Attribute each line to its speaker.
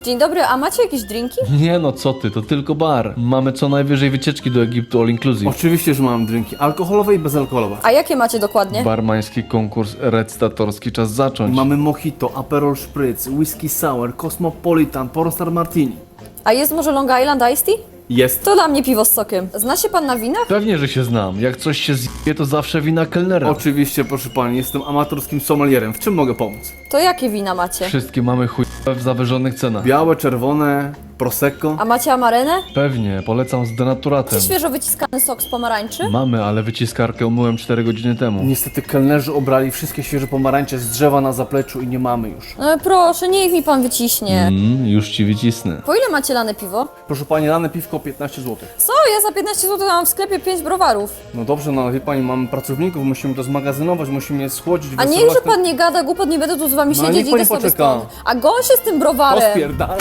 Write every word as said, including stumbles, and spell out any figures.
Speaker 1: Dzień dobry, a macie jakieś drinki?
Speaker 2: Nie no, co ty, to tylko bar. Mamy co najwyżej wycieczki do Egiptu all inclusive.
Speaker 3: Oczywiście, że mam drinki alkoholowe i bezalkoholowe.
Speaker 1: A jakie macie dokładnie?
Speaker 2: Barmański konkurs recytatorski, czas zacząć.
Speaker 3: Mamy mojito, Aperol Spritz, whisky sour, Cosmopolitan, Pornstar Martini.
Speaker 1: A jest może Long Island Iced Tea?
Speaker 3: Jest.
Speaker 1: To dla mnie piwo z sokiem. Zna się pan na winach?
Speaker 2: Pewnie, że się znam. Jak coś się zje, to zawsze wina kelnera.
Speaker 3: Oczywiście, proszę pani, jestem amatorskim sommelierem. W czym mogę pomóc?
Speaker 1: To jakie wina macie?
Speaker 2: Wszystkie mamy chujowe w zawyżonych cenach.
Speaker 3: Białe, czerwone, prosecco.
Speaker 1: A macie amarenę?
Speaker 2: Pewnie, polecam z denaturatem.
Speaker 1: Czy świeżo wyciskany sok z pomarańczy?
Speaker 2: Mamy, ale wyciskarkę umyłem cztery godziny temu.
Speaker 3: Niestety kelnerzy obrali wszystkie świeże pomarańcze z drzewa na zapleczu i nie mamy już.
Speaker 1: No proszę, niech mi pan wyciśnie.
Speaker 2: Mm, już ci wycisnę.
Speaker 1: Po ile macie lane piwo?
Speaker 3: Proszę pani, lane piwko piętnaście złotych.
Speaker 1: Co? Ja za piętnaście złotych mam w sklepie pięć browarów.
Speaker 3: No dobrze, no ale wie pani, mamy pracowników, musimy to zmagazynować, musimy je schłodzić,
Speaker 1: A
Speaker 3: wysyłać
Speaker 1: niechże
Speaker 3: ten-
Speaker 1: pan nie gada głupot, nie będę tu z wami
Speaker 3: No,
Speaker 1: siedzieć,
Speaker 3: niech pani
Speaker 1: idę sobie
Speaker 3: poczeka.
Speaker 1: stąd. A gąsie z tym browarem.
Speaker 3: Pospierdala.